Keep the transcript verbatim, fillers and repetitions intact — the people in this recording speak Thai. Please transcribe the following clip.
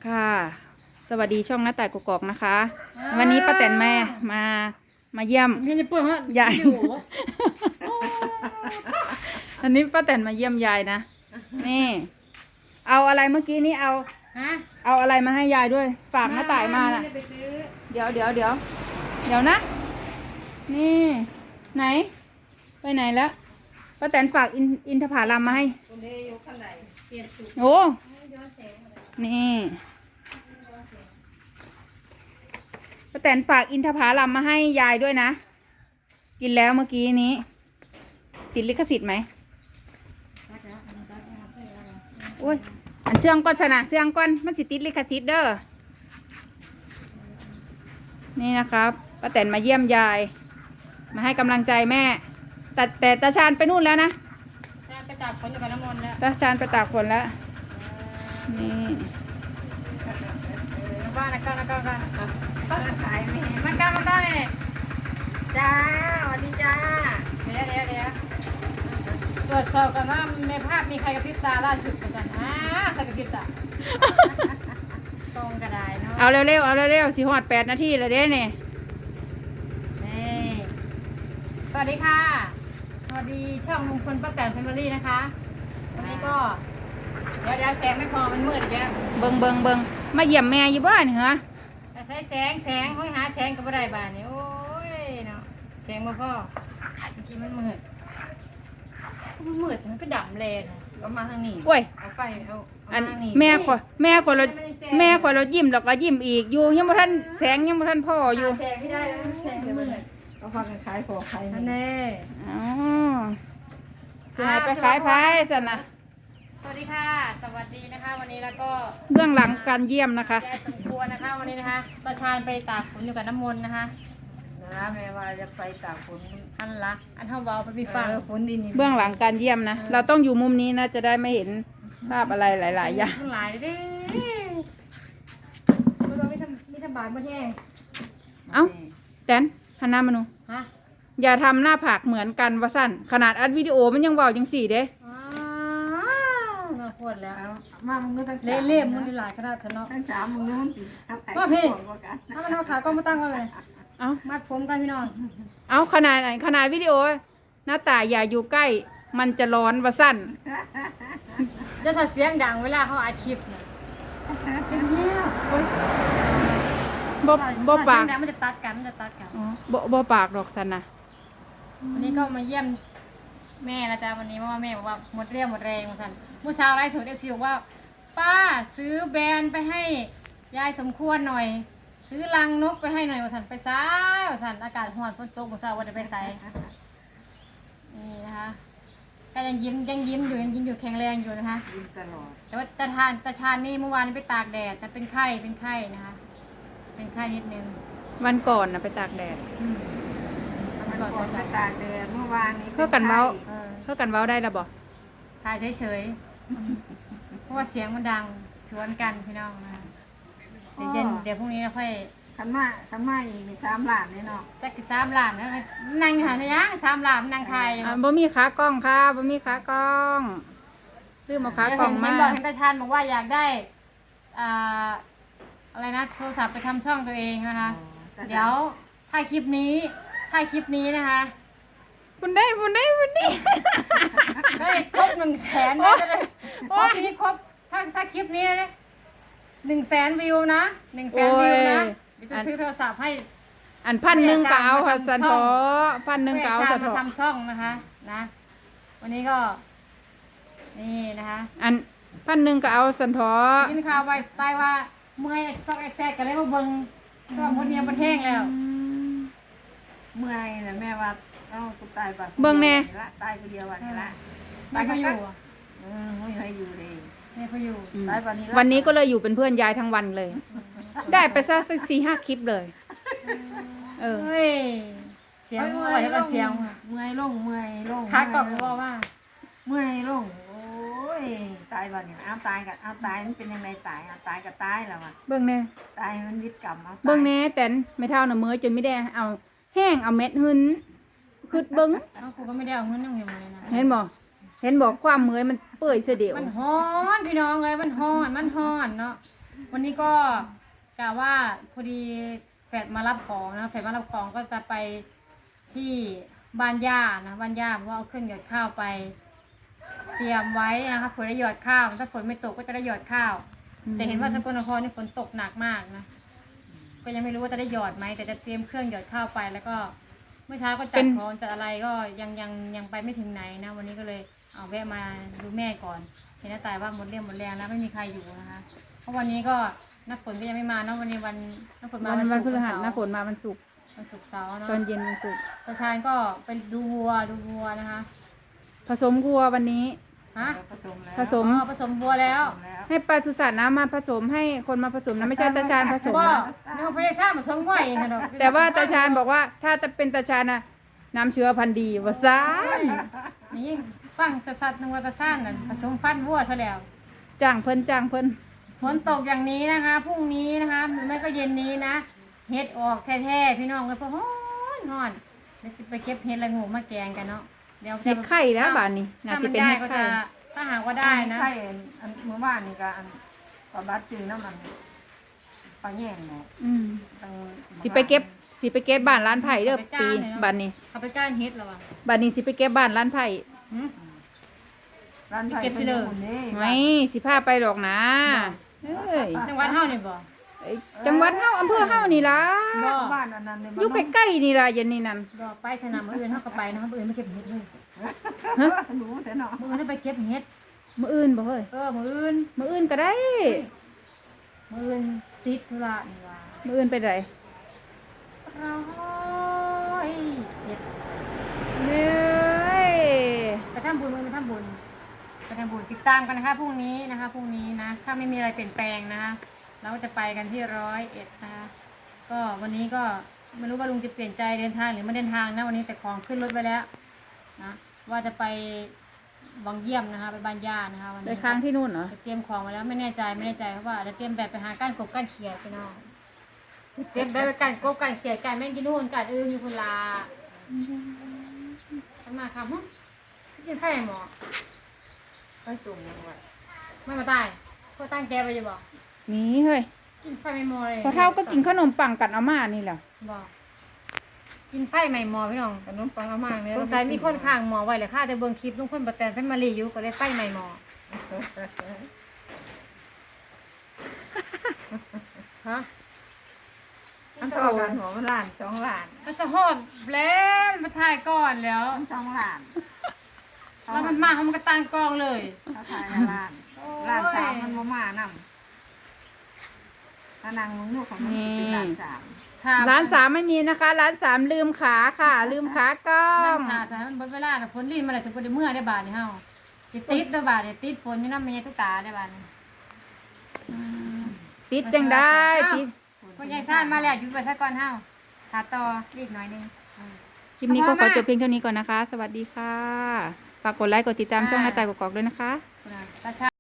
ค่ะสวัสดีช่องหน้าต่ายกกอกนะคะ วันนี้ป้าแตนแม่มามาเยี่ยมไม่ได้เปิดฮะยาย อันนี้ป้าแตนมาเยี่ยมยายนะนี่เอาอะไรเมื่อกี้นี้เอาฮะเอาอะไรมาให้ยายด้วยฝากหน้าต่ายมาน่ะไได้ไปซื้อเดี๋ยวเดี๋ยวเดี๋ยวเดี๋ยวนะ นี่ไหน ไปไหนแล้วป้าแตนฝากอินอินทผลัมมาให้คนนี้ยกขั้นไหนเปลี่ยนสูตรโอ้ย้อนแสงมาเลยนี่ป้าแตนฝากอินทผลัมมาให้ยายด้วยนะ กินแล้วเมื่อกี้นี้ ติดลิขสิทธิ์ไหมอุ้ยอันเชื่องก้อนสนะเชื่องก้อนมันสิติดลิขสิทธิ์เด้อ นี่นะครับป้าแตนมาเยี่ยมยาย มาให้กำลังใจแม่ แต่แต่ตาชาญไปนู่นแล้วนะใช่ไปตากฝนอยู่กับน้ำมนต์แล้วตาชาญไปตากฝนแล้ว นี่บ้านนะก้าวนะก้าวก้าวก็ขายไม่มันก้าวมันก้าวเนี่ยจ้าสวัสดีจ้าเดี๋ยวเดี๋ยวเดี๋ยวตรวจสอบกันว่าในภาพมีใครกระพริบตาล่าสุดกันสันอ่าใครกระพริบตาตรงกระไดเนาะเอาเร็วๆเอาเร็วๆสิหอดแปดนาทีแล้วเด้เนี่ยนี่สวัสดีค่ะ สวัสดีช่องลุงพลป้าแตนแฟมิลี่นะคะ วันนี้ก็ เดี๋ยวเดี๋ยวแสงไม่พอมันมืดเดี๋ยวเบิงเบิงเบิงมาเยี่ยมแม่อยู่บ้านเหรอจะใช้แสงแสงห้อยหาแสงกับอะไรบ้านนี่โอ้ยเนาะแสงมาพ่อเมื่อกี้มันมืดมันมืดมันก็ดำเลยนะก็มาทางนี้โอ้ยเอาไปเอาเอาอันมาทางนี้แม่ขอแม่ขอเราแม่ขอเรายิ้มแล้วก็ยิ้มอีกอยู่ยังบ่ทันแสงยังบ่ทันพ่ออยู่แสงไม่ได้แล้วแสงมืดเอาพากันขายของขายอันนี่นี้อ๋อสิให้ไปขายไผซั่นน่ะสวัสดีค่ะ สวัสดีนะคะ วันนี้แล้วก็เบื้องหลังการเยี่ยมนะคะยายสมควรนะคะ วันนี้นะคะตาชาญไปตากฝนอยู่กับน้ำมนต์นะคะนะแม่ว่าจะไปตากฝนอันละอันเท่าเบาไปพี่ฟังเออฝนดินนี่เบื้องหลังการเยี่ยมนะเราต้องอยู่มุมนี้นะจะได้ไม่เห็นภาพอะไรหลายๆอย่างทั้งหลายเด้ไม่ต้องมีทำมีทำบาดมาแห้งเอ้าแตนหันหน้ามาหนูฮะอย่าทำหน้าผากเหมือนกันว่าสั้นขนาดอัดวิดีโอมันยังเว้าจังสี่เด้อ้าวน่าโคตรแล้วเอามามึงก็ทั้งเล่เล่มมันหลายขนาดเนาะทั้งสามมึงนู้นจิเอาไปว่าพี่ส่งกว่ากันถ้ามันเอาขากล้องมาตั้งไว้เลยเอ้ามัดผมกันพี่น้องเอาขนาดไหนขนาดวิดีโอ หน้าตาอย่าอยู่ใกล้ มันจะร้อนว่าสั้นจะถ้าเสียงดังเวลาเขาอัดคลิปเนี่ยเป็นเงี้ยบ่บ่ถ้ปากเสียงดังมันจะตัดกันมันจะตัดกันอ๋อบ่บ่ปากดอกสันนะวันนี้ก็มาเยี่ยมแม่นะจ๊ะวันนี้เพราะว่าแม่บอกว่าหมดเรี่ยวหมดแรงมาสั่นเมื่อเช้าไลฟ์สดเอฟซีบอกว่า ป้าซื้อแบรนด์ไปให้ยายสมควรหน่อย ซื้อรังนกไปให้หน่อยมาสั่นไปซ้ายมาสั่นอากาศร้อนฝนตกมาสั่นว่าจะไปใส่นี่นะคะก็ยังยิ้มยังยิ้มอยู่ยังยิ้มอยู่แข็งแรงอยู่นะคะกินตลอดแต่ว่าตาทานตาชานนี่เมื่อวานนี้ไปตากแดดแต่เป็นไข้เป็นไข้นะคะ เป็นไข้นิดนึงวันก่อนนะไปตากแดดอืมอันมันก่อนฝนไปมาตากแดดเมื่อวานนี้เพื่อกันเว้าเออเพื่อกันเว้าได้ละบ่ถ่ายเฉยๆ เพราะว่าเสียงมันดังสวนกันพี่น้องนะคะเดี๋ยวเย็นเดี๋ยวพรุ่งนี้เราค่อยขันมาขันมาอีกมีสามหลานเนี่ยเนาะจักกี่สามหลานนะนั่งอยู่หาในย่างสามหลานนั่งไทยอ่าบ่มีขากล้องค่ะบ่มีขากล้องลืมเอาขากล้องเห็นมาบอกเห็นตาชานบอกว่าอยากได้อ่าอะไรนะโทรศัพท์ไปทำช่องตัวเองนะคะ เดี๋ยวถ้าคลิปนี้ถ้าคลิปนี้นะคะคุณได้คุณได้คุณได้ได้ครบหนึ่งแสนนะจะได้ครบนี้ครบถ้าถ้าคลิปนี้หนึ่งแสนวิวนะหนึ่งแสนวิวนะเดี๋ยวจะซื้อโทรศัพท์ให้อันพันหนึ่งก็เอาแม่ค่ะสร้างสันมาทำช่ทองอพันหนึ่งก็เอาแม่สสัร้าน งทมาอทำช่องนะคะนะ วันนี้ก็นี่นะคะอันพันหนึ่งก็เอาสันทอกินข้าวไว้ใต้ว่าเมื่อยซอกแอกแซกกันเลยมาเบิ่งช่องคนเนี้ยมันแห้งแล้วเมื่อยนะแม่ว่าเอ้ากูตายบัดเบิ่งแน่ละตายคนเดียววันนี้ละไม่เขาอยู่อะเออไม่ให้อยู่เลยไม่เขาอยู่อืมตายวันนี้ละวันนี้ก็เลยอยู่เป็นเพื่อนยายทั้งวันเลย ได้ไปซะสักสี่ห้าคลิปเลย เออเฮ้ยเสียงเมื่อ่ออยยแล้วลก็งเสียงเมื่อยลงเมื่อยลงขากล่องก็บอกว่าเมื่อยลงโอ้ยตายวันนี้เอาตายกับเอาตายมันเป็นยังไงตายเอาตายกับตายแล้วอ่ะเบิ่งแน่ตายมันยึดกรรมเอาตายเบิ่งแน่แต่นไม่เท่าน่ะเมื่อจนไม่ได้เอาแห้งเอาเม็ดหึนคือเบิ่งเอ้ากูก็ไม่ได้เอาเงินนึงอยู่เลยนะเห็นบ่เห็นบอกความเมื่อยมันเปื่อยเสียเดียวมันฮ้อนพี่น้องเลยมันฮ้อนมันฮ้อนเนาะวันนี้ก็กะว่าพอดีแฟดมารับของนะแฟดมารับของก็จะไปที่บ้านย่านะบ้านย่าเพราะว่าเอาเครื่องหยอดข้าวไป เตรียมไว้นะคะเผื่อได้หยอดข้าวถ้าฝนไม่ตกก็จะได้หยอดข้าว แต่เห็นว่าสกลนครนี่ฝนตกหนักมากนะก็ยังไม่รู้ว่าจะได้หยอดไหมแต่จะเตรียมเครื่องหยอดข้าวไป แล้วก็เมื่อเช้าก็จัดของจัดอะไรก็ยังยังยังไปไม่ถึงไหนนะวันนี้ก็เลยเอาแวะมาดูแม่ก่อนเห็นน้าตายว่าหมดเรี่ยวหมดแรงแล้วไม่มีใครอยู่นะคะเพราะวันนี้ก็น้าฝนก็ยังไม่มาเนาะวันนี้วันน้าฝนมาวันวันวันพศุฤกร์หัสวันหน้าฝเสาร์นมาวันศุกร์วันศุกร์เสาร์เนาะตอนเย็นวันศุกร์ตาชานก็ไปดูวัวดูวัวนะคะผสมวัววันนี้ฮะผสมแล้วผสมอ๋อผสมวัวแล้วผสมแล้วให้ปลาสุสัตว์นะมาผสมให้คนมาผสมนะไม่ใช่ตาชานผสมบ่นะนึกว่าพยาซ่าผสมง่อยเองกันดอกแต่ว่าตาชานบอกว่าถ้าจะเป็นตาชานนะน้ำเชื้อพันธุ์ดีว่าซ่านนี่ฟังจะสัตว์นึกว่าตาซ่านน่ะผสมฟันวัวซะแล้วจ้างเพิ่นจ้างเพิ่นฝนตกอย่างนี้นะคะพรุ่งนี้นะคะหรือไม่ก็เย็นนี้นะเฮ็ดออกแท้ๆพี่น้องเลยเพราะฮ้อนฮ้อนเดี๋ยวจะไปเก็บเฮ็ดละโงูมาแกงกันเนาะเดี๋ยวเห็ดไข่แล้วบานนี้น่าถ้าสิมันเป็นได้เห็ดก็ไข่จะถ้าหากว่าได้นะใช่อันเมื่อวานนี่ก็อันปลาบัดจือน้ำมันปลาแย่งเนาะอืมตั้งสิไปเก็บสิไปเก็บบ้านร้านไผ่เด้อปีบ้านนี้เขาไปก้านเฮ็ดแล้ววะบ้านนี้สิไปเก็บบ้านร้านไผ่หึร้านไผ่เก็บสิเลยป็นคนนี้ไม่สิพาไปดอกนะเอ้ยจังหวัดเฮานี่บ่ไอ้จังหวัดเฮาอำเภอเฮานี่ล่ะบ่บ้านอันนั้นเนี่ยอยู่ใกล้ๆนี่ล่ะเย็นนี่นั่นบ่ไปสนามมื้ออื่นเฮาก็ไปเนาะมื้ออื่นไม่เก็บเฮ็ดเลยรู้แต่เนาะมื้ออื่นไปเก็บเฮ็ดมื้ออื่นบ่เฮ้ยเออมื้ออื่นมื้ออื่นก็ได้มื้ออื่นติดธุระนี่ว่ามื้ออื่นไปไดร้อยเอ็ดเอ้ยไปทำบุญมื้อไปทำบุญไปทำบุญติดตามกันนะคะพรุ่งนี้นะคะพรุ่งนี้นะถ้าไม่มีอะไรเปลี่ยนแปลงนะคะเราก็จะไปกันที่ร้อยเอ็ดนะคะก็วันนี้ก็ไม่รู้ว่าลุงจะเปลี่ยนใจเดินทางหรือไม่เดินทางนะวันนี้แต่ของขึ้นรถไปแล้วนะว่าจะไปวังเยี่ยมนะคะไปบ้านย่านะคะวันไปนี้ค้างที่นู่นเหรอจะเตรียมของไว้แล้วไม่แน่ใจไม่แน่ใจเพราะว่าอาจจะเตรียมแบบไปหาก้านกบก้านเขียดไปน้องเตรียมแบบไปก้านกบก้านเขียดก้านแม่งกินนู่นก้านอื่นอยู่คนละทำมาครับฮึกินไฟหมอไปตุ่มยังไงไม่มาตายพวกตั้งแกไปอยู่บ่นี่เฮ้ยกินไฟไม่หมอเลยพอเท่าก็กินขนมปังกันเอามานี่แหละบ่กินไฟไม่หมอพี่น้องขนมปังอาม่าเนี่ยสงสัยมีคนข้างหมอไว้เลยค่ะแต่เบิ่งคลิปลุงพลป้าแตนเพิ่นมารีอยู่ก็เลยไฟไม่หมอฮะอันต่อกันหัวมันล้านสองล้านก็สะฮอบแล้วมาถ่ายก่อนแล้วสองล้านแล้วมันมาเขามันก็ตั้งกล้องเลยเขาขายล้านล้านสามมันมามานํถ้านางมึงลูกของมันเป็นล้านสามถ้าร้านสามไม่มีนะคะ ร้านสามลืมขาค่ะ ลืมขากล้อนั่งงหาสายมันเบิดเวลาน่ะฝนรีนมาแล้วถึงบ่ได้เมื่อได้บาดนี่เฮาสิติดได้บาดนี่ติดฝนนี่นำแม่ตุ๊กตาได้บาดนี่อืมติดจังได้ติดพ่อยายซ่านมาแล้วหยุดไว้ซะก่อนเฮาถ้าต่ออีกหน่อยหนึงคลิปนี้ก็ขอจบเพียงเท่านี้ก่อนนะคะ สวัสดีค่ะ ฝากกดไลค์กดติดตามช่องหน้าตายกอกๆด้วยนะคะคุณอาตาชา